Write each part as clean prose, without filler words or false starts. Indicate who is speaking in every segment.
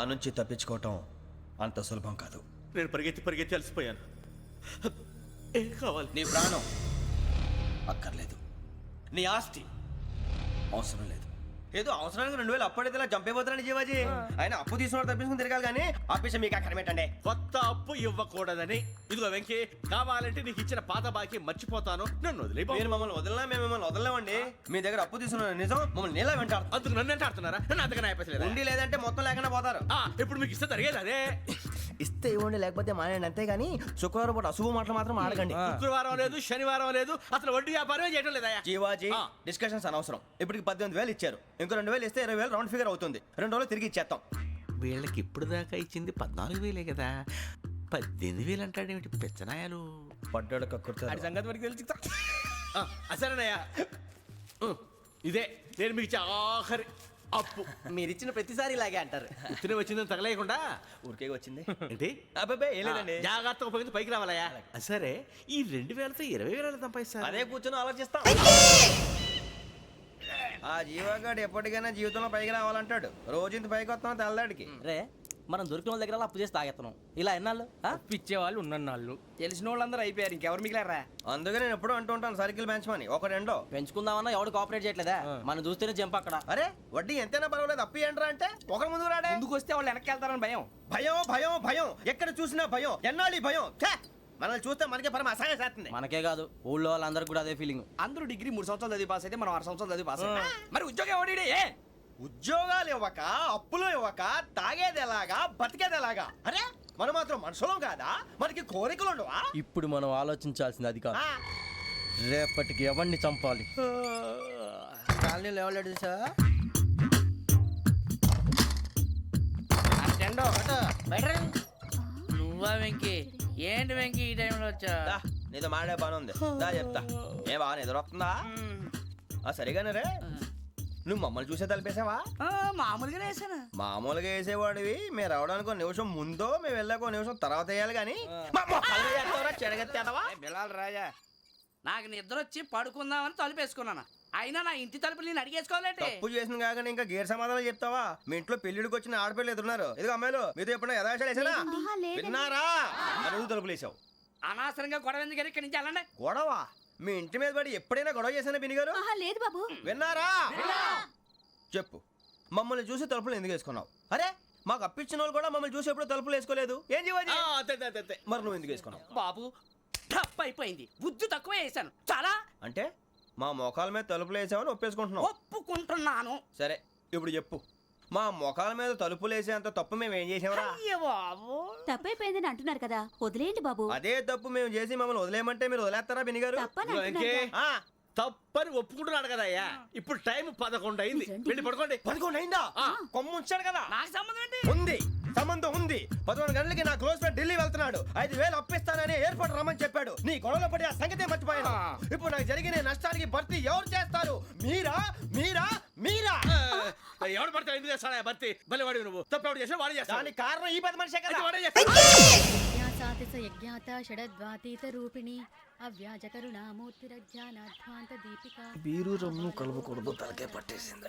Speaker 1: నుంచి తప్పించుకోవటం అంత సులభం కాదు.
Speaker 2: నేను పరిగెత్తి అలసిపోయాను. ఏం కావాలి?
Speaker 1: నీ ప్రాణం అక్కర్లేదు, నీ ఆస్తి అవసరం లేదు. ఏదో అవసరానికి 2000 అప్పుడైతే ఇలా చంపేపోతారని జీవాజీ. ఆయన అప్పు తీసుకున్న తప్పించుకుని తిరగాలి కానీ ఆపేసి మీకు అక్కడ పెట్టండి.
Speaker 2: కొత్త అప్పు ఇవ్వకూడదని. ఇదిగో వెంకీ, కావాలంటే నీకు ఇచ్చిన పాత బాకీ మర్చిపోతాను, నన్ను వదిలే.
Speaker 1: మీరు మమ్మల్ని వదిలినా మేము మిమ్మల్ని వదలలేమండి. మీ దగ్గర అప్పు తీసుకున్న నిజం మమ్మల్ని నీలా వెంటాడు.
Speaker 2: అందుకు నన్ను ఎంత ఆడుతున్నారా? నన్ను అంతగా నాయపసలేదు.
Speaker 1: ఉండి లేదంటే మొత్తం లేకుండా పోతారు.
Speaker 2: ఇప్పుడు మీకు ఇస్తే జరిగేది అదే.
Speaker 1: ఇస్తే ఇవ్వండి, లేకపోతే మానేయండి, అంతేగాని శుక్రవారం పూట అశుభ మాటలు మాత్రం ఆడకండి.
Speaker 2: శుక్రవారం లేదు, శనివారం లేదు, అసలు వడ్డీ వ్యాపారం చేయడం లేదా?
Speaker 1: జీవాజీ, డిస్కషన్స్ అనవసరం. ఇప్పటికి 18,000 ఇచ్చారు, ఇంకో 2,000 ఇస్తే 20,000 రౌండ్ ఫిగర్ అవుతుంది. 2 రోజులు తిరిగి ఇచ్చేస్తాం.
Speaker 2: వీళ్ళకి ఇప్పుడు దాకా ఇచ్చింది 14,000 కదా, 18,000 అంటాడేమిటి పెచ్చనాయాలు?
Speaker 1: పడ్డాడు కక్కుర్తాడు.
Speaker 2: సంగతి వరకు తెలుసు. అసలేనయ్యా, ఇదే నేను మీకు ఇచ్చే ఆఖరి అప్పు.
Speaker 1: మీరిచ్చిన ప్రతిసారి ఇలాగే అంటారు.
Speaker 2: ఇతనే వచ్చిందని తగలేయకుండా
Speaker 1: ఊరికే వచ్చింది
Speaker 2: ఏంటి?
Speaker 1: అబ్బాబే ఏం లేదండి.
Speaker 2: జాగ్రత్తగా ఉపయోగించి పైకి రావాలయ్యా. సరే, ఈ 2,000తో 20,000 సంపాదిస్తారు.
Speaker 1: అదే కూర్చొని ఆలోచిస్తాం. ఆ జీవగాడు ఎప్పటికైనా జీవితంలో పైకి రావాలంటాడు. రోజు ఇంత పైకి వస్తాం తెల్లడికి.
Speaker 3: రే, మనం దొరికిన వాళ్ళ దగ్గర అప్పు చేసి తాగెత్తనం. ఇలా ఎన్నాళ్ళు
Speaker 4: పిచ్చేవాళ్ళు ఉన్నన్నాళ్ళు తెలిసిన వాళ్ళందరూ అయిపోయారు, ఇంకెవరు మిగిలారా?
Speaker 1: అందుకే నేను ఎప్పుడూ అంటూ ఉంటాను, సర్కిల్ బెంచ్ మని ఒక రెండో
Speaker 3: పెంచుకుందామన్నా ఎవడు కోఆపరేట్ చేయట్లేదా? మనం చూస్తేనే జంప్ అక్కడ.
Speaker 1: అరే వడ్డీ ఎంతైనా పర్వాలేదు, అప్పు ఏంట్రా అంటే ఒకరి ముందు రాడే.
Speaker 4: ముందుకు వస్తే వాళ్ళు వెనక్కి వెళ్తారని భయం.
Speaker 1: భయం భయం భయం, ఎక్కడ చూసినా భయం. ఎన్నాళ్ళు భయం? మనల్ని చూస్తే మనకే పరమ అసహాయం చేస్తుంది.
Speaker 3: మనకే కాదు, ఊళ్ళో వాళ్ళందరికీ కూడా అదే ఫీలింగ్.
Speaker 4: అందరూ డిగ్రీ 3 సంవత్సరాలు చదివి పాస్ అయితే మనం 6 సంవత్సరాలు చదివి పాస్ అయ్యాం. మరి ఉద్యోగం ఎవడి?
Speaker 1: ఉద్యోగాలు ఇవ్వక, అప్పులు ఇవ్వక, తాగేది ఎలాగా, బతికేది ఎలాగా? అరే మనం మాత్రం మనుషులం కాదా? మనకి కోరికలు ఉండవా?
Speaker 3: ఇప్పుడు మనం ఆలోచించాల్సింది అది కాదు, రేపటికి ఎవరిని చంపాలి. కాలనీలో ఎవరు సార్?
Speaker 5: నువ్వా వెంకీ? ఏంటి వెంకీ ఈ టైంలో వచ్చా?
Speaker 1: నీతో మాడే పని ఉంది, దా చెప్తా. ఏ బాగా నిద్రొస్తుందా? సరిగానే రే, నువ్వు మమ్మల్ని చూసే తలిపేసావా?
Speaker 5: మామూలుగానే వేసాను.
Speaker 1: మామూలుగా వేసేవాడివి. మేము రావడానికి 1 నిమిషం ముందో, మేము వెళ్ళాక 1 నిమిషం తర్వాత వేయాలి కానీ
Speaker 4: బిలాల్ రాజా,
Speaker 5: నాకు నిద్ర వచ్చి పడుకుందామని తలుపేసుకున్నాను. అయినా నా ఇంటి తలుపులు నేను అడిగేసుకోవాలంటే
Speaker 1: తప్పు చేసిన కాక ఇంకా గేర్ సమాధానం చెప్తావా? మీ ఇంట్లో పెళ్లిడికి వచ్చిన ఆడపిల్లలు ఎదురున్నారు. ఇదిగో అమ్మాయిలు, మీతో ఎప్పుడైనా యథాశాలు వేసానా? విన్నారా? అడుగు తలుపులు వేసావు.
Speaker 5: అనవసరంగా గొడవ ఎందుకు ఇక్కడి నుంచి వెళ్ళండి.
Speaker 1: గొడవ? మీ ఇంటి మీద పడి ఎప్పుడైనా గొడవ చేశానా బినిగారు?
Speaker 6: లేదు బాబు.
Speaker 1: విన్నారా? చెప్పు, మమ్మల్ని చూసి తలుపులు ఎందుకు వేసుకున్నావు? అరే మాకు అప్పించిన వాళ్ళు కూడా మమ్మల్ని చూసి ఎప్పుడు తలుపులు వేసుకోలేదు. ఏం చేయాలి? మరి నువ్వు ఎందుకు వేసుకున్నావు?
Speaker 5: బాబు టప్ అయిపోయింది, బుద్ధి తక్కువ వేసాను చాలా.
Speaker 1: అంటే మా మోకాల మీద తలుపులు వేసామని ఒప్పేసుకుంటున్నావు?
Speaker 5: ఒప్పుకుంటున్నాను.
Speaker 1: సరే ఇప్పుడు చెప్పు, మా మొఖాల మీద తలుపులు వేసేంత తప్పు మేము ఏం చేసామరా?
Speaker 5: బాబు
Speaker 6: తప్పైపోయిందని అంటున్నారు కదా, వదిలేయండి బాబు.
Speaker 1: అదే తప్పు మేము చేసి మమ్మల్ని వదిలేయమంటే మీరు వదిలేస్తారా బినిగారు?
Speaker 2: తప్పని ఒప్పుకుంటున్నాడు కదా అయ్యా. ఇప్పుడు టైం 11 అయింది, వెళ్ళి పడుకోండి.
Speaker 1: 11 అయిందా? కొమ్ము ఉంచాడు కదా.
Speaker 5: నాకు సంబంధం ఏంటి?
Speaker 1: ఉంది, సంబంధం ఉంది. 11 గంటలకి నా క్లోజ్ ఫ్రెండ్ ఢిల్లీ వెళ్తున్నాడు. 5,000 అప్పిస్తానని ఎయిర్పోర్ట్ రమ్మని చెప్పాడు. నీ గొడవలో పడి ఆ సంగతే మర్చిపోయాను. ఇప్పుడు నాకు జరిగిన నష్టానికి భర్తీ ఎవరు చేస్తారు? మీరా మీరా మీరా?
Speaker 2: ఎవడు పడితే ఎందుకు చేస్తాడా భర్తీ? మళ్ళీ వాడి నువ్వు తప్పు ఎవడు చేసినా వాడు చేస్తాడు.
Speaker 1: దానికి కారణం ఈ 10 మనిషే కదా.
Speaker 2: వాడే చేస్తాడు.
Speaker 1: బీరు రమ్ము కలవకూడదు, తలకే పట్టేసింది.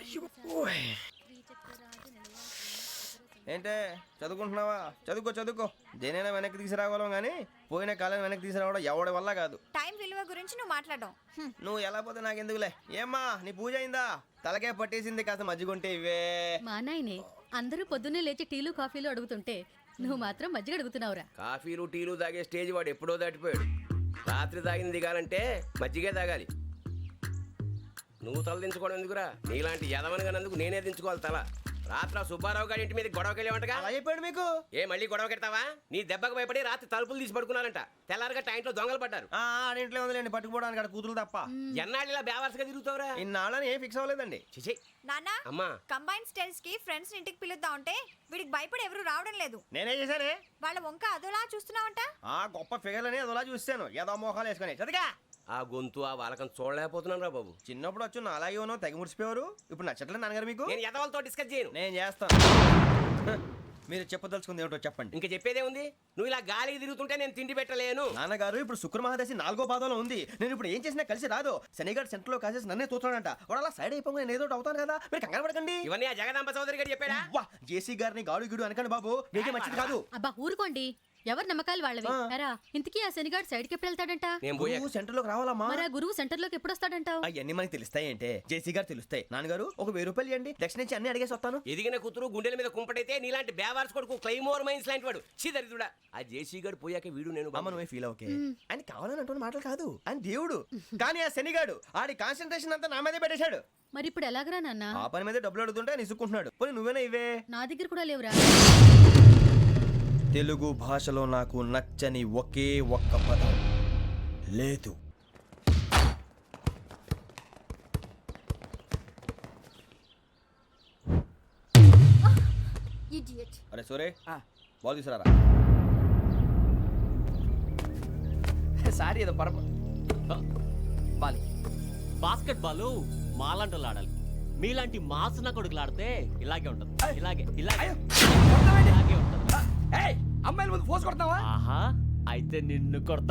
Speaker 1: ఏంటే చదువుకుంటున్నావా? చదువుకో. దేనైనా వెనక్కి తీసుకురావాలం కానీ పోయిన కాలం వెనక్కి తీసుకురావడం ఎవడి వల్ల కాదు.
Speaker 6: టైం విలువ గురించి నువ్వు మాట్లాడడం.
Speaker 1: నువ్వు ఎలా పోతే నాకు ఎందుకులే. ఏమ్మా నీ పూజ అయిందా? తలకే పట్టేసింది, కాస్త మజ్జిగుంటే ఇవే.
Speaker 7: మా నాయనే అందరూ పొద్దున్నే లేచి టీలు కాఫీలు అడుగుతుంటే నువ్వు మాత్రం మజ్జిగ అడుగుతున్నావురా.
Speaker 8: కాఫీలు టీలు తాగే స్టేజ్ వాడు ఎప్పుడో దాటిపోయాడు. రాత్రి తాగింది దిగాలంటే మజ్జిగే తాగాలి. నువ్వు తల దించుకోవడం ఎందుకురా? నీలాంటి యదవనగానందుకు నేనే దించుకోవాలి తల. రాత్రి సుబ్బారావు గారి ఇంటి మీద గొడవకి వెళ్ళేవంటగా.
Speaker 1: అలా చెప్పాడు మీకు?
Speaker 8: ఏ మళ్ళీ గొడవ కెడతావా? నీ దెబ్బకు భయపడి రాత్రి తలుపులు తీసి పడుకున్నారంట. తెల్లారగా టైంట్లో దొంగలు పడ్డారు.
Speaker 1: ఆడింట్లో ఉందిలేండి, పట్టుకుపోవడానికి అక్కడ కూతురు తప్ప.
Speaker 8: ఎన్నాళ్ళు ఇలా బేవర్స్గా తిరుగుతావురా?
Speaker 1: ఇన్నాళ్ళని ఏం ఫిక్స్ అవ్వలేదండి.
Speaker 8: చిచి
Speaker 6: నాన్న,
Speaker 8: అమ్మా,
Speaker 6: కంబైన్ స్టైల్స్ కి ఫ్రెండ్స్ ఇంటికి పిలుద్దాం అంటే వీడికి భయపడి ఎవరు రావడం లేదు.
Speaker 1: నేనే చేశానే.
Speaker 6: వాళ్ళ వంక అదోలా చూస్తున్నావంట.
Speaker 1: గొప్ప ఫిగర్లని అదోలా చూస్తాను, ఏదో మోహాలు వేసుకొని. చదిగా
Speaker 8: ఆ గొంతు ఆ వాళ్ళకం చూడలేకపోతున్నాను రా బాబు.
Speaker 1: చిన్నప్పుడు వచ్చి నా అలాగే ఉన్నావు, తెగ ముడిచిపోయారు. ఇప్పుడు నచ్చట్లేదు నాన్నగారు మీకు?
Speaker 8: నేను యదవలతో డిస్కస్ చేయను.
Speaker 1: నేను చేస్తాను. మీరు చెప్పదలుచుకుంది ఏమిటో చెప్పండి.
Speaker 8: ఇంకా చెప్పేదే ఉంది. నువ్వు ఇలా గాలికి తిరుగుతుంటే నేను తిండి పెట్టలేను.
Speaker 1: నాన్నగారు ఇప్పుడు శుక్ర మహాదశి 4వ పాదంలో ఉంది. నేను ఇప్పుడు ఏం చేసినా కలిసి రాదు. శనిగారు సెంటర్ లో కాసేసి నన్నే చూస్తాడంట. వాడు అలా సైడ్ అయిపోయి నేను ఏదో ఒకటి అవుతాను కదా, మీరు కంగారు పడకండి.
Speaker 8: ఇవన్నీ ఆ జగదాంబ చౌదరి గారు చెప్పాడా?
Speaker 1: వా జేసీ గారిని గాడు గిడు అనకండి బాబు, మీకే మంచిది కాదు.
Speaker 7: అబ్బా ఊరుకోండి, ఎవరి నమ్మకాలు వాళ్ళవి. ఎరా ఇంతకీ ఆ శనిగాడు సైడ్కి ఎప్పుడు వెళ్తాడంట?
Speaker 8: నేను పోయా.
Speaker 1: నువ్వు సెంటర్ లోకి రావాలమ్మా.
Speaker 7: మరి ఆ గురువు సెంటర్ లోకి ఎప్పుడు వస్తాడంటావు?
Speaker 1: అవన్నీ మనకి తెలుస్తాయి అంటే జేసీ గారు తెలుస్తాయి. నాన్నగారు ఒక 1000 రూపాయలు ఇవ్వండి, దక్షిణ నుంచి అన్ని అడిగేసి వస్తాను.
Speaker 8: ఎదిగిన కూతురు గుండెల మీద కుంపటైతే నీలాంటి బేవార్స్ కొడుకు క్లైమోర్ మైన్స్ లాంటి వాడు చీదరిదుడా. ఆ జేసీ గారు పోయాక వీడు నేను
Speaker 1: అమ్మ నువ్వే ఫీల్ ఓకే. ఆయన కావాలని అంటున్న మాటలు కాదు, ఆయన దేవుడు. కానీ ఆ శనిగాడు ఆడి కాన్సన్ట్రేషన్ అంతా నా మీదే పెట్టేశాడు.
Speaker 7: మరి ఇప్పుడు ఎలాగరా నాన్న?
Speaker 1: ఆ పని మీద డబ్బులు అడుగుతుంటే నిసుక్కుంటున్నాడు. పోనీ నువ్వేనా ఇవే?
Speaker 7: నా దగ్గర కూడా లేవురా.
Speaker 1: తెలుగు భాషలో నాకు నచ్చని ఒకే ఒక్క పదం లేదు. అరే సోరే బాల్ తీసుకురారా.
Speaker 4: సారీ ఏదో పరప బాలి.
Speaker 9: బాస్కెట్ బాల్ మాలాంటి ఆడాలి. మీలాంటి మాసన కొడుకులు ఆడితే ఇలాగే ఉంటది. ఇలాగే ఇలాగే ఇలాగే ఉంటది.
Speaker 4: అమ్మాయిల ముందు ఫోర్స్ కొడతావా?
Speaker 9: ఆహా, అయితే నిన్ను కొడతా.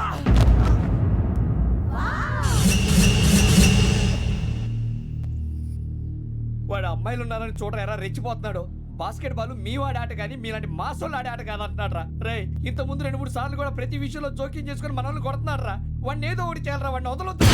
Speaker 4: వాడు అమ్మాయిలు ఉన్నారని చూడరా ఎరా రెచ్చిపోతున్నాడు. బాస్కెట్ బాల్ మీ వాడి ఆట కానీ మీలాంటి మాసోళ్ళు ఆడే ఆట కాదు అంటున్నాడు రా. రే ఇంత ముందు 2-3 సార్లు కూడా ప్రతి విషయంలో జోక్యం చేసుకుని మన వాళ్ళు కొడుతున్నాడు రా. వాడిని ఏదో ఒకటి చేయాలరా, వాడిని వదలొద్దు.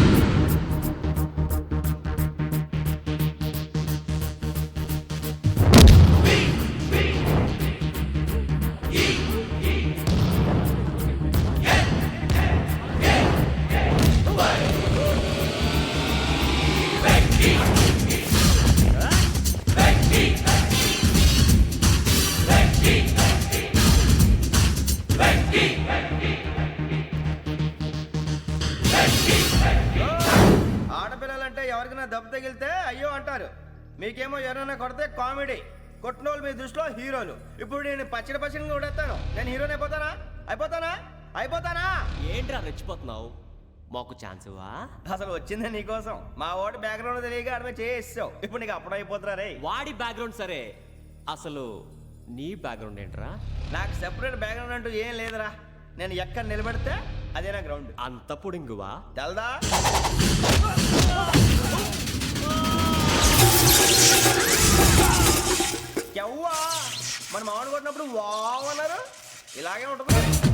Speaker 1: ఆడపిల్లలంటే ఎవరికైనా దెబ్బ తగిలితే అయ్యో అంటారు, మీకేమో ఎవరైనా కొడితే కామెడీ. కొట్టిన వాళ్ళు మీ దృష్టిలో హీరోలు. ఇప్పుడు నేను పచ్చడిగా కొడేస్తాను, నేను హీరోని అయిపోతానా?
Speaker 9: ఏంట్రా రెచ్చిపోతున్నావు? మాకు ఛాన్స్ ఇవ్వా?
Speaker 1: అసలు వచ్చిందే నీకోసం. మా ఓటు బ్యాక్గ్రౌండ్ తెలియక ఆడమే చేసావు. ఇప్పుడు నీకు అప్పుడు అయిపోతున్నా రే.
Speaker 9: వాడి బ్యాక్గ్రౌండ్ సరే, అసలు నీ బ్యాక్గ్రౌండ్ ఏంట్రా?
Speaker 1: నాకు సెపరేట్ బ్యాక్గ్రౌండ్ అంటూ ఏం లేదురా. నేను ఎక్కడ నిలబెడితే అదే నా గ్రౌండ్.
Speaker 9: అంత పుడింగువా?
Speaker 1: తెల్దా? ఎవ్వా మన మామిడి కొట్టినప్పుడు వావ్ అన్నారు, ఇలాగే ఉంటుంది.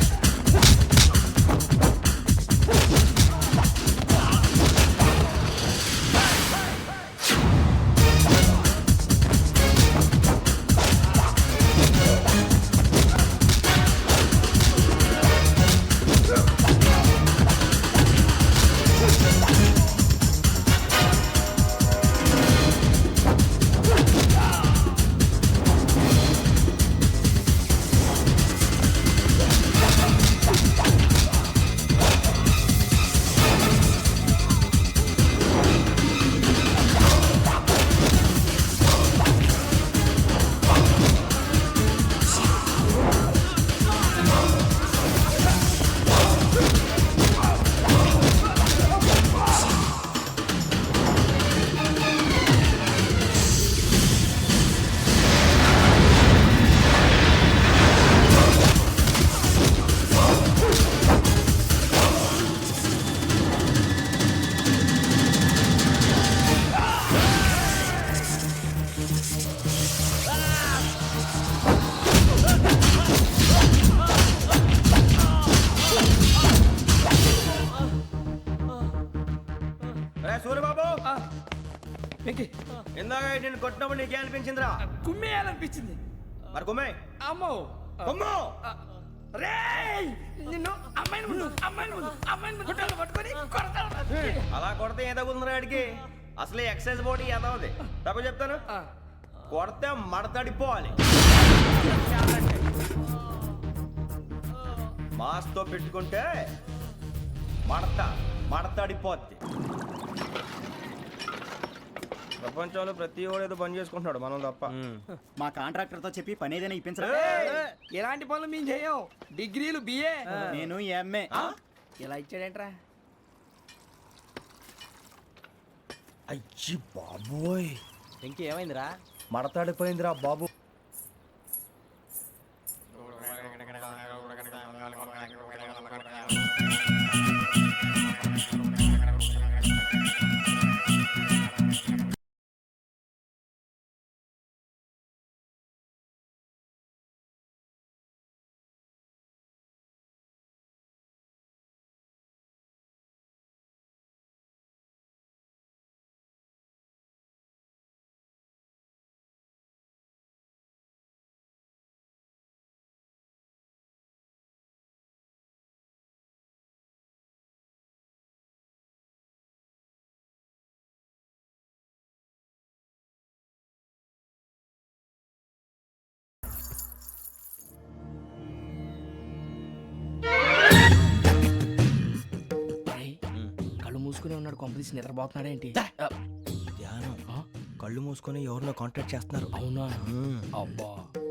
Speaker 1: సూర్యబాబు ఇందాక నేను కొట్టినప్పుడు నీకే అనిపించిందిరా?
Speaker 4: కుమ్మేయాలనిపించింది.
Speaker 1: మరి కుమ్మే.
Speaker 4: అమ్మో
Speaker 1: కుమ్ము.
Speaker 4: రేయ్ నిన్ను అమ్మాయిని పట్టుకొని కొడతాను.
Speaker 1: అలా కొడితే ఏ తగులుందిరా ఆడికి? అసలే ఎక్సైజ్ బాడీ ఏదవుది. తప్పు చెప్తాను, కొడితే మడతడిపోవాలి. మాస్తో పెట్టుకుంటే మడతడిపోద్ది. ప్రపంచంలో ప్రతి వాడు ఏదో పని చేసుకుంటున్నాడు, మనం తప్ప.
Speaker 10: మా కాంట్రాక్టర్ తో చెప్పి పని ఏదైనా ఇప్పించరా?
Speaker 4: ఎలాంటి పనులు మేము చేయం. డిగ్రీలు బిఏ,
Speaker 10: నేను ఎంఏ.
Speaker 4: ఇలా ఇచ్చాడేంట్రా?
Speaker 1: అయ్యి బాబోయ్,
Speaker 10: ఇంకేమైందిరా?
Speaker 1: మడతాడిపోయిందిరా బాబు.
Speaker 5: కళ్ళు మూసుకుని ఉన్నాడు, కొంపదీసి నిద్రపోతున్నాడేంటి?
Speaker 1: ధ్యానం కళ్ళు మూసుకొని ఎవరినో కాంటాక్ట్ చేస్తున్నారు.
Speaker 5: అవునా? అబ్బా.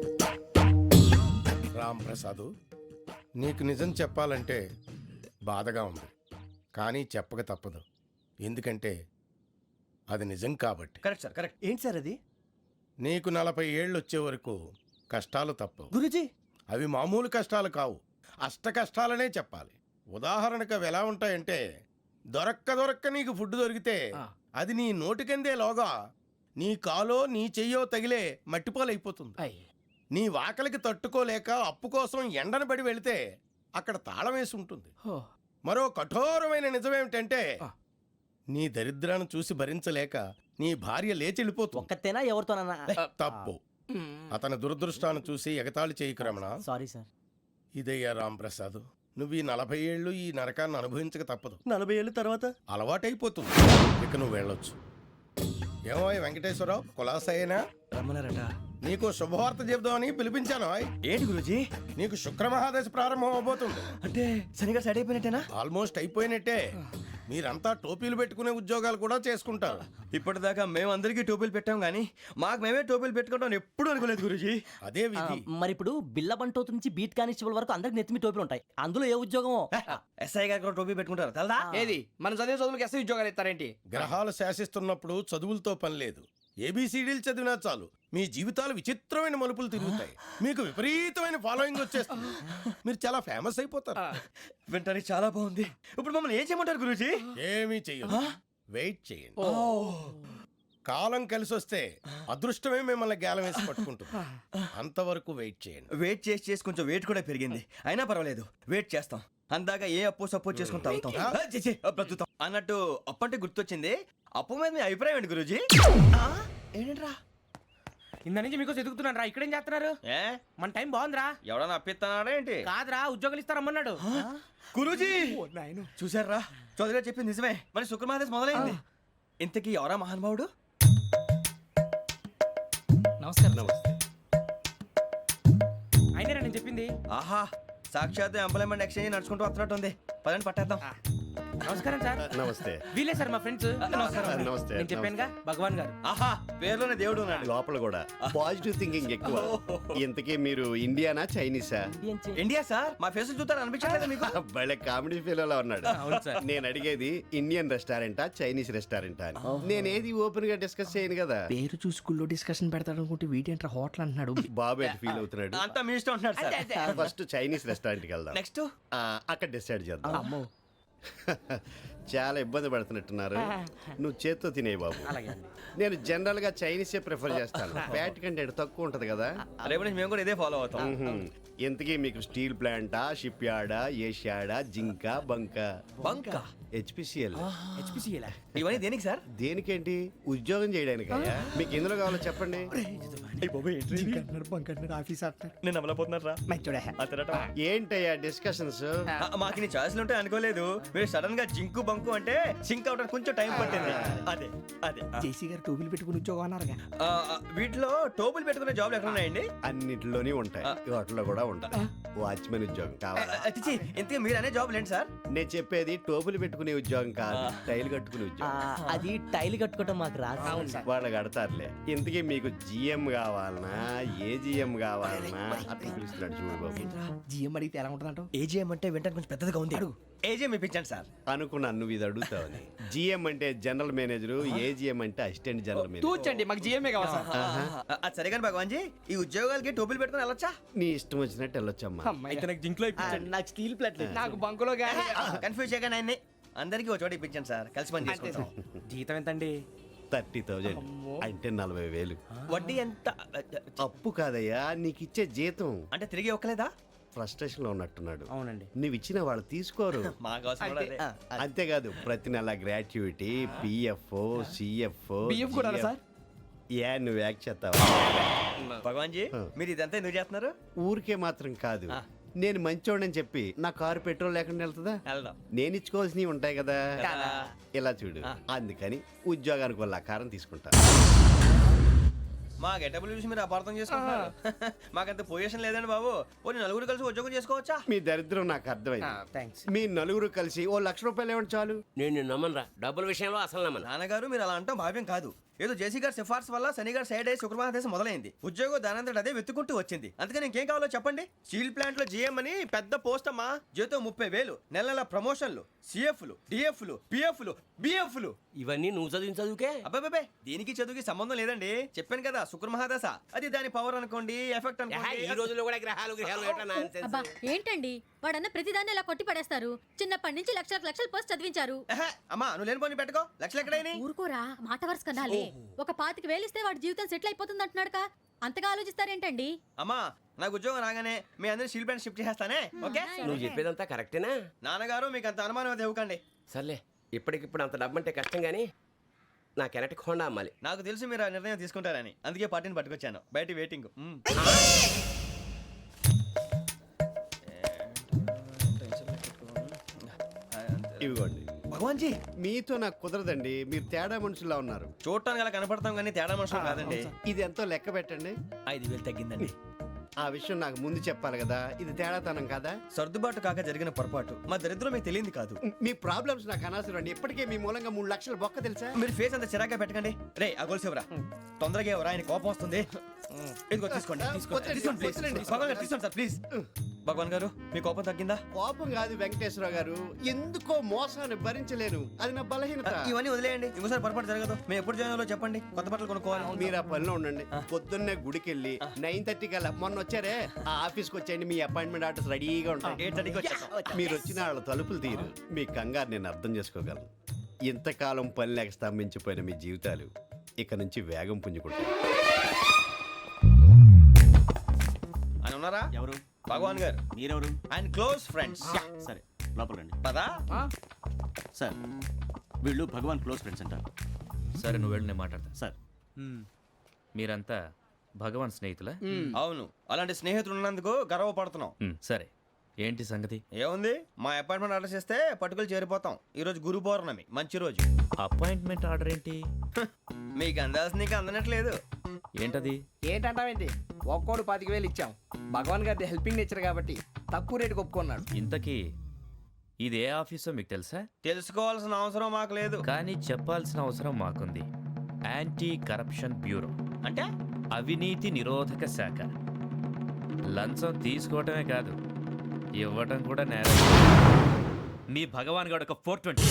Speaker 11: రామ్ ప్రసాద్, నీకు నిజం చెప్పాలంటే బాధగా ఉంది, కానీ చెప్పక తప్పదు. ఎందుకంటే అది నిజం కాబట్టి.
Speaker 1: Correct sir, correct. ఏంటి సార్ అది?
Speaker 11: నీకు 40 ఏళ్ళు వచ్చే వరకు కష్టాలు తప్పవు.
Speaker 1: గురుజీ,
Speaker 11: అవి మామూలు కష్టాలు కావు, అష్ట కష్టాలనే చెప్పాలి. ఉదాహరణకు అవి ఎలా ఉంటాయంటే, దొరక్క నీకు ఫుడ్ దొరికితే అది నీ నోటికందే లోగా నీ కాలో నీ చెయ్యో తగిలే మట్టిపాలైపోతుంది. నీ వాకలికి తట్టుకోలేక అప్పు కోసం ఎండను పడి వెళితే అక్కడ తాళం వేసి ఉంటుంది. మరో కఠోరమైన నిజమేమిటంటే, నీ దరిద్రాన్ని చూసి భరించలేక నీ భార్య లేచి వెళ్ళిపోతుంది.
Speaker 3: ఒక్కతేనా ఎవరితోనన్నా?
Speaker 11: తప్పు. అతని దురదృష్టాన్ని చూసి ఎగతాళి చేయకు రమణ.
Speaker 3: Sorry sir.
Speaker 11: ఇదయ్యా రాంప్రసాద్, నువ్వు ఈ 40 ఏళ్ళు ఈ నరకాన్ని అనుభవించక తప్పదు.
Speaker 1: 40 ఏళ్ళ తర్వాత
Speaker 11: అలవాటైపోతుంది. ఇక నువ్వు వెళ్ళొచ్చు. ఏమో వెంకటేశ్వరరావు, కులాసైనా
Speaker 1: రమ్మన్నారట.
Speaker 11: నీకు శుభవార్త చెబుదామని పిలిపించాను.
Speaker 1: ఏంటి గురుజీ?
Speaker 11: నీకు శుక్రమహాదశ ప్రారంభం అవబోతుంది.
Speaker 1: అంటే శనిగా సెట్ అయిపోయినట్టేనా?
Speaker 11: ఆల్మోస్ట్ అయిపోయినట్టే. మీరంతా టోపీలు పెట్టుకునే ఉద్యోగాలు కూడా చేసుకుంటారు.
Speaker 1: ఇప్పటిదాకా మేమందరికీ టోపీలు పెట్టాం కానీ మాకు మేమే టోపీలు పెట్టుకుంటాం ఎప్పుడు అనుకోలేదు గురుజీ.
Speaker 11: అదే విధి.
Speaker 3: మరి ఇప్పుడు బిల్ల బంటోతు నుంచి బీట్ కానిస్టేబుల్ వరకు అందరికి నెత్తిమి టోపీలు ఉంటాయి. అందులో ఏ ఉద్యోగం?
Speaker 1: ఎస్ఐ గారు కూడా టోపీ పెట్టుకుంటారు తెలదా?
Speaker 4: ఏది మన చదివే చదువులకు ఎస్ఐ ఉద్యోగాలు ఇస్తారేంటి?
Speaker 11: గ్రహాలు శాసిస్తున్నప్పుడు చదువులతో పని లేదు. ఏబిసిడీలు చదివినా చాలు మీ జీవితాలు విచిత్రమైన మలుపులు తిరుగుతాయి. మీకు విపరీతమైన ఫాలోయింగ్ వచ్చేస్తుంది. మీరు చాలా ఫేమస్ అయిపోతారు.
Speaker 1: వింటానికి చాలా బాగుంది. ఇప్పుడు మమ్మల్ని ఏం చేయమంటారు గురుజీ?
Speaker 11: ఏమీ చెయ్యదు, వెయిట్ చేయండి. కాలం కలిసి వస్తే అదృష్టమే మిమ్మల్ని గేలం వేసి పట్టుకుంటుంది. అంతవరకు వెయిట్ చేయండి.
Speaker 1: వెయిట్ చేసి కొంచెం వెయిట్ కూడా పెరిగింది. అయినా పర్వాలేదు, వెయిట్ చేస్తాం. అందాక ఏ అప్పు సపోర్ట్ చేసుకుని తాగుతాం, బ్రతుకుతాం. అన్నట్టు అప్పు అంటే గుర్తొచ్చింది. అప్పు మీద మీ అభిప్రాయం ఏంటి గురుజీ? ఏంటరా
Speaker 5: ఇంత నుంచి మీకు ఎదుగుతున్నాను రా. ఇక్కడేం చేస్తున్నారు?
Speaker 1: ఏ
Speaker 5: మన టైం బాగుందిరా.
Speaker 1: ఎవడన్నా అప్పిస్తున్నాడా ఏంటి?
Speaker 5: కాదురా, ఉద్యోగాలు ఇస్తారమ్మన్నాడు.
Speaker 1: గురూజీ చూసారా, చౌదరి గారు చెప్పింది నిజమే. మరి శుక్రమహాదేశ్ మొదలైంది. ఇంతకీ ఎవరా మహానుభావుడు?
Speaker 5: నమస్కారం. అయినా నేను చెప్పింది.
Speaker 1: ఆహా, సాక్షాత్ ఎంప్లాయ్మెంట్ ఎక్స్చేంజ్ నడుచుకుంటూ వస్తున్నట్టు ఉంది. పదండి పట్టేద్దాం.
Speaker 5: నమస్కారం సార్.
Speaker 11: నమస్తే.
Speaker 5: వీలే సార్ మా ఫ్రెండ్స్.
Speaker 11: నమస్తే.
Speaker 5: నేను చెప్పానుగా భగవాన్ గారు.
Speaker 1: ఆహా, పేర్లోనే దేవుడు ఉన్నాడు.
Speaker 12: లోపల కూడా పాజిటివ్ థింకింగ్ ఎక్కువ. ఇంతకీ మీరు ఇండియానా చైనీసా?
Speaker 1: India sir. మా ఫేస్ చూస్తారు అనిపించలేదు మీకు?
Speaker 12: భలే కామెడీ ఫీల్ అలా ఉన్నాడు. నేను అడిగేది ఇండియన్ రెస్టారెంటా చైనీస్ రెస్టారెంటా అని. నేనేది ఓపెన్ గా డిస్కస్ చేయను కదా.
Speaker 5: పేరు చూసి స్కూల్లో డిస్కషన్ పెడతాడు అనుకుంటే వీటేంట్రా హోటల్ అంటున్నాడు.
Speaker 12: బాబు ఎట్ ఫీల్ అవుతున్నాడు.
Speaker 1: అంతా మీ ఇష్టం అంటున్నాడు సార్.
Speaker 12: ఫస్ట్ చైనీస్ రెస్టారెంట్ కి వెళ్దాం.
Speaker 1: నెక్స్ట్
Speaker 12: అక్కడ డిసైడ్ చేద్దాం. చాలా ఇబ్బంది పడుతున్నట్టున్నారు. నువ్వు చేత్తో తినే బాబు. నేను జనరల్ గా చైనీసే ప్రిఫర్ చేస్తాను. ఫ్యాట్ కంటెంట్ తక్కువ ఉంటది కదా.
Speaker 1: రేపు నుంచి మేము కూడా ఇదే ఫాలో అవుతాం.
Speaker 12: ఎంతకీ మీకు స్టీల్ ప్లాంటా, షిప్ యార్డా, ఏషియాడా, జింక, బంక?
Speaker 1: బంక,
Speaker 12: హెచ్పిసిఎల్.
Speaker 1: ఇవన్నీ దేనికి సార్?
Speaker 12: దేనికేంటి? ఉద్యోగం చేయడానికి. మీకు ఎందులో కావాలో చెప్పండి.
Speaker 1: నేను అమలపోతున్నారా?
Speaker 12: ఏంటయ్యా డిస్కషన్స్?
Speaker 1: మాకు నీ ఛాయిస్లు ఉంటాయి అనుకోలేదు. మీరు సడన్ గా జింకు బంకు అంటే సింక్ అవడానికి కొంచెం టైం పట్టింది. అదే అదే
Speaker 5: జేసీ గారు టోపీలు పెట్టుకుని ఉద్యోగం అన్నారుగా.
Speaker 1: వీటిలో టోపులు పెట్టుకునే జాబ్లు ఎక్కడ ఉన్నాయండి?
Speaker 12: అన్నిటిలోనే ఉంటాయి, వాటిలో కూడా ఉంటాయి. వాచ్మెన్ ఉద్యోగం కావాలా?
Speaker 1: ఇంతకీ మీరు అనే జాబ్ ఏంటి సార్?
Speaker 12: నేను చెప్పేది టోపులు పెట్టుకునే ఉద్యోగం కాదు, టైల్ కట్టుకునే ఉద్యోగం.
Speaker 3: అది టైల్ కట్టుకోవటం మాకు రాదు.
Speaker 12: వాళ్ళు కడతారులే. ఇంతకీ మీకు జిఎం కావాలనా, ఏ జిఎం కావాలనా? అట్లా పిలుస్తున్నాడు చూడు బాబు.
Speaker 5: జిఎం అడిగితే ఎలా ఉంటుందంట?
Speaker 1: ఏజీఎం అంటే వింటానికి కొంచెం పెద్దదిగా ఉంది. ఏజీఎం ఇప్పించండి సార్.
Speaker 12: అనుకున్నాను నువ్వు ఇది అడుగుతావని. జిఎం అంటే జనరల్ మేనేజర్, ఏజిఎం అంటే అసిస్టెంట్ జనరల్ మేనేజర్.
Speaker 4: తూచండి మాకు జిఎంఏ కావాలి సార్.
Speaker 1: అది సరే కానీ భగవాన్ జీ, ఈ ఉద్యోగాలకి టోపీలు పెట్టుకుని వెళ్ళొచ్చా?
Speaker 12: నీ ఇష్టం వచ్చినట్టు వెళ్ళొచ్చమ్మా.
Speaker 4: అమ్మాయి.
Speaker 3: నాకు జింక్లో ఇప్పించండి.
Speaker 1: నాకు స్టీల్ ప్లేట్
Speaker 4: నాకు బంకులో గానీ
Speaker 1: కన్ఫ్యూజ్ చేయగానే ఆయన్ని అందరికీ ఒక చోట ఇప్పించండి సార్, కలిసి పని చేసుకుంటాం.
Speaker 10: జీతం ఎంతండి?
Speaker 12: 30,000 అంటే 40,000.
Speaker 1: వడ్డీ ఎంత?
Speaker 12: అప్పు కాదయ్యా, నీకు ఇచ్చే జీతం.
Speaker 1: అంటే తిరిగి ఒక్కలేదా?
Speaker 12: ఫ్రస్ట్రేషన్ లో ఉన్నట్టున్నాడు.
Speaker 10: అవునండి.
Speaker 12: నువ్వు ఇచ్చిన వాళ్ళు తీసుకోరు.
Speaker 1: మాకు అవసరం కూడా అదే.
Speaker 12: అంతేకాదు ప్రతి నెల గ్రాట్యుటీ, పిఎఫ్, సిఎఫ్.
Speaker 4: బియ్యం కూడా సార్?
Speaker 12: ఏ నువ్వు యాక్ చేస్తావా?
Speaker 1: భగవాన్ జీ, మీరు ఇదంతా ఎందుకు చేస్తున్నారు?
Speaker 12: ఊరికే మాత్రం కాదు, నేను మంచోడని చెప్పి నా కారు పెట్రోల్ లేకుండా వెళ్తుందా?
Speaker 1: వెళ్దాం.
Speaker 12: నేను ఇచ్చుకోవాల్సినవి ఉంటాయి కదా.
Speaker 1: కదా.
Speaker 12: ఇలా చూడు, అందుకని ఉద్యోగానికి వాళ్ళ ఆకారం తీసుకుంటా.
Speaker 1: మా గెటబుల్ చూసి మీరు అపార్థం చేసుకుంటున్నారు. మాకంత పొజిషన్ లేదండి బాబు. పోనీ నలుగురు కలిసి ఉద్యోగం చేసుకోవచ్చా?
Speaker 12: మీ దరిద్రం నాకు అర్థమైంది.
Speaker 10: థ్యాంక్స్.
Speaker 12: మీ నలుగురు కలిసి ఓ ₹1,00,000 ఇవ్వండి చాలు.
Speaker 8: నేను నమ్మనరా, డబ్బుల విషయంలో అసలు నమ్మను.
Speaker 1: నాన్నగారు మీరు అలా అంటాం భావ్యం కాదు. ఏదో జేసీ గారి సిఫార్సు వల్ల శని గారు సైడ్ అయ్యి శుక్రమహాదేశం మొదలైంది. ఉద్యోగం దానంతటి అదే వెతుకుంటూ వచ్చింది. అందుకని ఇంకేం కావాలో చెప్పండి. స్టీల్ ప్లాంట్ లో జీఎం అని పెద్ద పోస్ట్ అమ్మా. జీతం 30,000, నెల నెల ప్రమోషన్లు, సిఎఫ్లు, డిఎఫ్లు, పిఎఫ్లు, బిఎఫ్లు.
Speaker 8: ఇవన్నీ నువ్వు చదివిన చదువుకే.
Speaker 1: అబ్బాబే, దీనికి చదువుకి సంబంధం లేదండి. చెప్పాను కదా, శుక్రమహాదశ. అది దాని పవర్ అనుకోండి, ఎఫెక్ట్
Speaker 8: ఈ
Speaker 1: అనుకోండి.
Speaker 8: రోజుల్లో కూడా గ్రహాలు ఏటా nonsense?
Speaker 7: అబ్బా ఏంటండి వాడన్న ప్రతిదాన్ని ఇలా కొట్టి పడేస్తారు. చిన్నప్పటి నుంచి లక్షలు పోస్ట్ చదివించారు.
Speaker 1: ఎహె, అమ్మా నువ్వు లేని పోనీ పెట్టుకో. లక్షలు ఎక్కడైనా
Speaker 7: ఊరుకోరా, మాట వరుస కదాలే. ఒక 25,000 ఇస్తే వాడి జీవితం సెటిల్ అయిపోతుంది అంటున్నాడుగా. అంతగా ఆలోచిస్తారేంటండి?
Speaker 1: అమ్మా నాకు ఉద్యోగం రాగానే మీ అందరినీ స్టీల్ ప్లాంట్ షిఫ్ట్ చేస్తానే. ఓకే?
Speaker 8: నువ్వు చెప్పేదంతా కరెక్టేనా?
Speaker 1: నాన్నగారు మీకు అంత అనుమానం అయితే ఇవ్వకండి.
Speaker 8: సర్లే, ఇప్పటికిప్పుడు అంత డబ్బు అంటే కష్టం కానీ నా కెనటిక్ హోండా అమ్మాలి.
Speaker 1: నాకు తెలుసు మీరు ఆ నిర్ణయం తీసుకుంటారని, అందుకే పార్టీని పట్టుకొచ్చాను. బయట వెయిటింగ్.
Speaker 12: ఇవ్వండి.
Speaker 1: భగవాన్ జీ,
Speaker 12: మీతో నాకు కుదరదండి, మీరు తేడా మనుషుల్లా ఉన్నారు.
Speaker 1: చూడటానికి అలా కనపడతాం కానీ తేడా మనుషులు కాదండి.
Speaker 12: ఇది ఎంతో లెక్క పెట్టండి.
Speaker 1: 5,000 తగ్గిందండి.
Speaker 12: ఆ విషయం నాకు ముందు చెప్పాలి కదా, ఇది తేడాతనం కదా.
Speaker 1: సర్దుబాటు కాక జరిగిన పొరపాటు. మా దరిద్రం మీకు తెలియంది కాదు.
Speaker 12: మీ ప్రాబ్లమ్స్ నాకు అనవసరం అండి. ఇప్పటికే మీ మూలంగా 3 లక్షలు బొక్క తెలుసా.
Speaker 1: మీరు ఫేస్ అంత చిరాగ్గా పెట్టకండి. రే ఆ గొలుసు ఎవరా? తొందరగా ఎవరా, ఆయన కోపం వస్తుంది. ఇదిగో తీసుకోండి. తీసుకోండి ప్లీజ్. భగవాన్ గారు తీసుకోండి సార్ ప్లీజ్. భగవాన్ గారు మీ కోపం తగ్గిందా?
Speaker 12: కోపం కాదు వెంకటేశ్వర గారు, ఎందుకో మోసాన్ని భరించలేను, అది నా బలహీనత.
Speaker 1: ఇవన్నీ వదిలేయండి, ఇంకోసారి పొరపాటు జరగదు. మేము ఎప్పుడు జాయిన్ అవ్వాలో చెప్పండి, కొత్త బట్టలు కొనుక్కోవాలి.
Speaker 12: మీరు ఆ పనిలో ఉండండి. పొద్దున్నే గుడికి వెళ్ళి 9:30 కల్లా, మొన్న వచ్చారే ఆ ఆఫీస్కి వచ్చేయండి. మీ అపాయింట్మెంట్ ఆర్డర్స్ రెడీగా ఉంటాయి.
Speaker 1: 8:30కి వచ్చేస్తాం.
Speaker 12: మీరు వచ్చిన వాళ్ళ తలుపులు తీరు. మీ కంగారు నేను అర్థం చేసుకోగలను. ఇంతకాలం పని లేక స్తంభించిపోయిన మీ జీవితాలు ఇక నుంచి వేగం పుంజుకుంటాయి.
Speaker 1: ఆయన ఉన్నారా?
Speaker 9: ఎవరు?
Speaker 1: భగవాన్ గారు.
Speaker 9: మీరెవరు?
Speaker 1: ఆయన క్లోజ్ ఫ్రెండ్స్.
Speaker 9: సరే లోపల రండి.
Speaker 1: పదా?
Speaker 9: సార్ వీళ్ళు భగవాన్ క్లోజ్ ఫ్రెండ్స్ అంటారు.
Speaker 13: సరే నువ్వు వెళ్ళి నేను మాట్లాడతా.
Speaker 9: సార్
Speaker 13: మీరంతా భగవాన్ స్నేహితులా?
Speaker 1: అవును, అలాంటి స్నేహితులు ఉన్నందుకు గర్వపడుతున్నాం.
Speaker 13: సరే ఏంటి సంగతి?
Speaker 1: ఏముంది, మా అపాయింట్మెంట్ ఆర్డర్ చేస్తే పట్టుకులు చేరిపోతాం. ఈ రోజు గురు పౌర్ణమి, మంచి రోజు.
Speaker 13: అపాయింట్మెంట్ ఆర్డర్ ఏంటి?
Speaker 1: మీకు అందాల్సిన నీకు అందనట్లేదు.
Speaker 13: ఏంటది?
Speaker 4: ఏంటంటావేంటి? ఒక్కోడు 25,000 ఇచ్చాం. భగవాన్ గారి హెల్పింగ్ నేచర్ కాబట్టి తక్కువ రేటుకి ఒప్పుకున్నాడు.
Speaker 13: ఇంతకీ ఇది ఏ ఆఫీసో మీకు తెలుసా?
Speaker 1: తెలుసుకోవాల్సిన అవసరం మాకు లేదు,
Speaker 13: కానీ చెప్పాల్సిన అవసరం మాకుంది. యాంటీ కరప్షన్ బ్యూరో
Speaker 1: అంటే
Speaker 13: అవినీతి నిరోధక శాఖ. లంచం తీసుకోవటమే కాదు, ఇవ్వటం కూడా నేరం. మీ భగవాన్ గారు ఒక 420.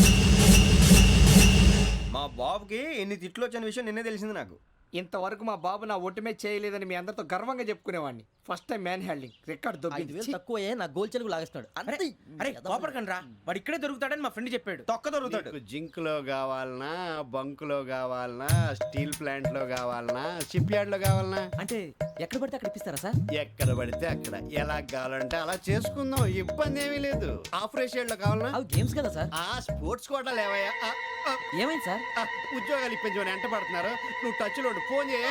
Speaker 1: మా బాబుకి ఎన్ని తిట్లు వచ్చిన విషయం నిన్నే తెలిసింది నాకు.
Speaker 4: ఇంతవరకు మా బాబు నా ఒట్టుమే చేయలేదని మీ అందరితో గర్వంగా చెప్పుకునేవాడిని. First time man handing record
Speaker 3: 5,000 తక్కువే నా గోల్ చెలుగు లాగేస్తున్నాడు.
Speaker 10: అరే కోపడకండి రా, వాడు ఇక్కడే దొరుకుతాడని మా ఫ్రెండ్ చెప్పాడు.
Speaker 1: తొక్క దొరుకుతాడు.
Speaker 12: మీకు జింక్ లో కావాలనా, బంక్ లో కావాలనా, స్టీల్ ప్లాంట్ లో కావాలనా, షిప్ యార్డ్ లో కావాలనా?
Speaker 10: అంటే ఎక్కడ పడితే అక్కడ ఇప్పిస్తారా సార్?
Speaker 12: ఎక్కడ పడితే అక్కడ, ఎలా కావాలంటే అలా చేసుకుందాం, ఇబ్బంది ఏమీ లేదు. ఆపరేషన్ లో కావాలనా?
Speaker 10: అవి గేమ్స్ కదా సార్.
Speaker 12: ఆ స్పోర్ట్స్ కోటా లేవయ్యా.
Speaker 10: ఏమైంది సార్?
Speaker 12: ఉద్యోగాలు ఇప్పించమని ఎంట పడుతున్నారు. నువ్వు టచ్ లో ఫోన్ చేయ.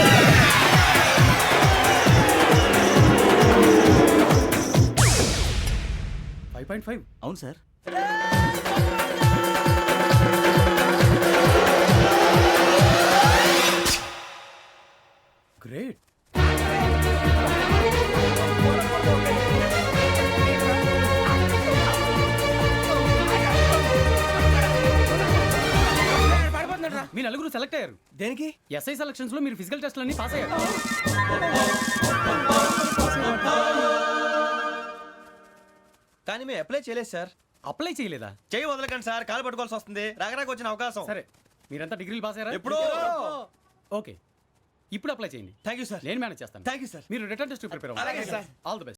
Speaker 10: అవును సార్.
Speaker 4: గ్రేట్. మీ నలుగురు సెలెక్ట్ అయ్యారు.
Speaker 1: దేనికి?
Speaker 4: ఎస్ఐ సెలక్షన్స్ లో మీరు ఫిజికల్ టెస్ట్ అన్ని పాస్ అయ్యారు.
Speaker 1: కానీ మేము అప్లై చేయలేదు సార్.
Speaker 4: అప్లై చేయలేదా?
Speaker 1: చేయి వదలకండి సార్, కాలు పట్టుకోవాల్సి వస్తుంది. రాగరాకు వచ్చిన అవకాశం.
Speaker 4: సరే, మీరంతా డిగ్రీలు పాస్ అయ్యారా?
Speaker 1: ఎప్పుడో.
Speaker 4: ఓకే, ఇప్పుడు అప్లై చేయండి.
Speaker 1: Thank you sir.
Speaker 4: నేను మేనేజ్ చేస్తాను.
Speaker 1: Thank you sir.
Speaker 4: మీరు రిటర్న్ టెస్ట్ ప్రిపేర్
Speaker 1: అలాగే సార్.
Speaker 4: All the best.